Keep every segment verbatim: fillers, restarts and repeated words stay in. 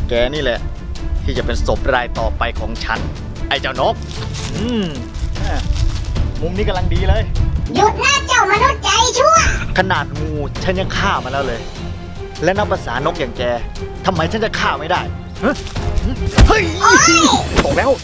แกนี่แหละที่จะเป็นศพรายต่อไปของฉันไอ้เจ้านกอืมมุมนี้กำลังดีเลยหยุดนะเจ้ามนุษย์ใจชั่วขนาดงูฉันยังฆ่ามาแล้วเลยและนับภาษานกอย่างแกทำไมฉันจะฆ่าไม่ได้เฮ้ยตกแล้ว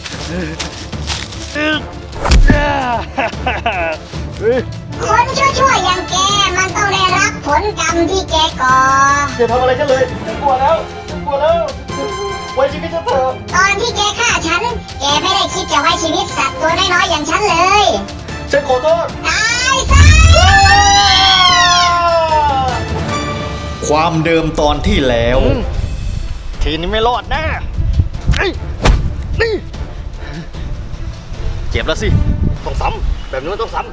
คนชั่วๆอย่างแกมันต้องได้รับผลกรรมที่แกก่ออย่าทำอะไรฉันเลยฉันกลัวแล้วฉันกลัวแล้วไว้ชีวิตฉันเถอะตอนที่แกฆ่าฉันแกไม่ได้คิดจะไว้ชีวิตสัตว์ตัวน้อยๆอย่างฉันเลยฉันขอโทษตายซะความเดิมตอนที่แล้วทีนี้ไม่รอดแน่นี่เจ็บแล้วสิต้องซ้ำแบบนี้มันต้องซ้ำ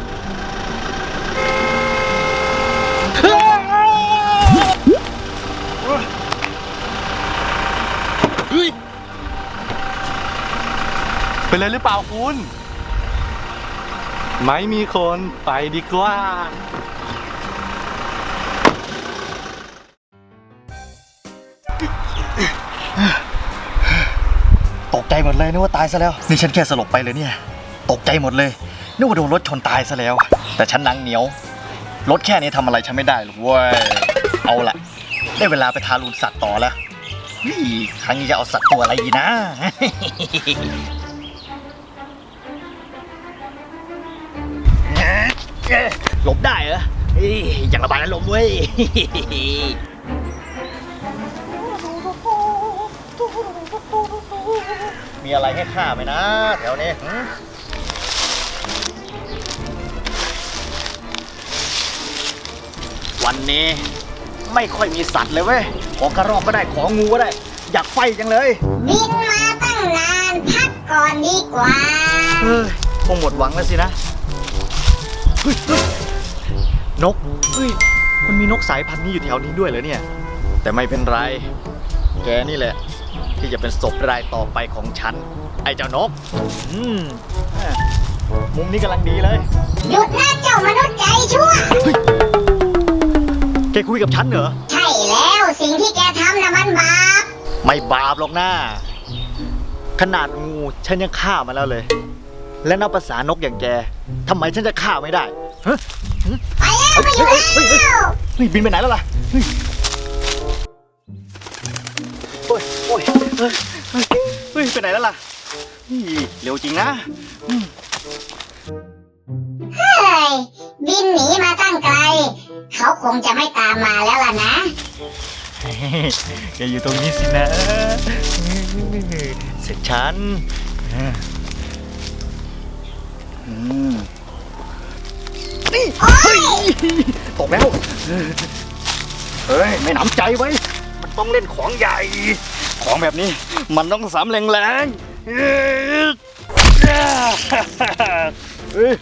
เป็นไรหรือเปล่าคุณไม่มีคนไปดีกว่าตกใจหมดเลยนึกว่าตายซะแล้วนี่ฉันแค่สลบไปเลยเนี่ยตกใจหมดเลยนึกว่าโดนรถชนตายซะแล้วแต่ฉันหนังเหนียวรถแค่นี้ทำอะไรฉันไม่ได้หรอกเว้ยเอาละได้เวลาไปทารุณสัตว์ต่อแล้วนี่ครั้งนี้จะเอาสัตว์ตัวอะไรดีนะหลบได้เหรออย่างระบายอารมณ์เว้ยมีอะไรให้ฆ่าไหมนะแถวนี้วันนี้ไม่ค่อยมีสัตว์เลยเว้ยของกระรอกก็ได้ของงูก็ได้อยากไฟจังเลยบินมาตั้งนานพักก่อนดีกว่าเฮ้ยคงหมดหวังแล้วสินะนกเฮ้ยมันมีนกสายพันธุ์นี้อยู่แถวนี้ด้วยเหรอเนี่ยแต่ไม่เป็นไรแกนี่แหละที่จะเป็นศพรายต่อไปของฉันไอ้เจ้านกอืมมุมนี้กำลังดีเลยหยุดนะเจ้ามนุษย์ใจชั่วแกคุยกับฉันเหรอใช่แล้วสิ่งที่แกทำน่ะมันบาปไม่บาปหรอกนะขนาดงูฉันยังฆ่ามาแล้วเลยและนับภาษานกอย่างแกทำไมฉันจะฆ่าไม่ได้ไปแล้วไปอยู่แล้วเฮ้ยบินไปไหนแล้วล่ะโอ้ยโอ้ยเฮ้ยเฮ้ยไปไหนแล้วล่ะเร็วจริงนะเฮ้ยบินหนีมาตั้งไกลเขาคงจะไม่ตามมาแล้วล่ะนะแกอยู่ตรงนี้สินะเสร็จฉันนี่เฮ้ยตกแล้วเฮ้ยไม่หนำใจไว้มันต้องเล่นของใหญ่ของแบบนี้มันต้องสามแรงๆเฮ้ย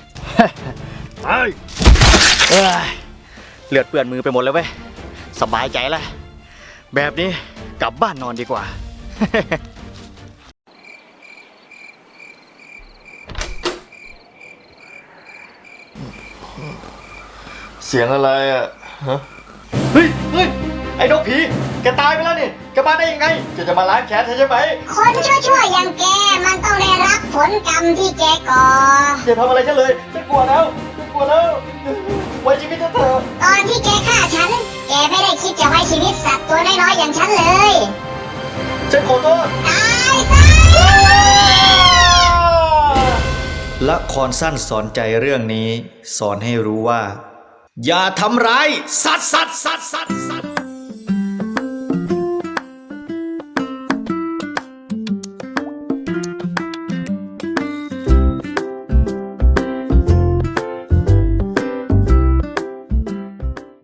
เลือดเปื้อนมือไปหมดเลยเว้ยสบายใจแล้วแบบนี้กลับบ้านนอนดีกว่าเสียงอะไรอ่ะฮะเฮ้ยเฮ้ยไอ้นกผีแกตายไปแล้วนี่แกมาได้ยังไงจะจะมาล้างแค้นใช่ไหมคนชั่วๆอย่างแกมันต้องได้รับผลกรรมที่แกก่ออย่าทำอะไรฉันเลยฉันกลัวแล้วฉันกลัวแล้วไว้ชีวิตฉันเถอะตอนที่แกฆ่าฉันแกไม่ได้คิดจะไว้ชีวิตสัตว์ตัวน้อยๆอย่างฉันเลยฉันขอโทษตายซะละครสั้นสอนใจเรื่องนี้สอนให้รู้ว่าอย่าทำร้ายสัตว์สัตว์สัตว์สัตว์สัตว์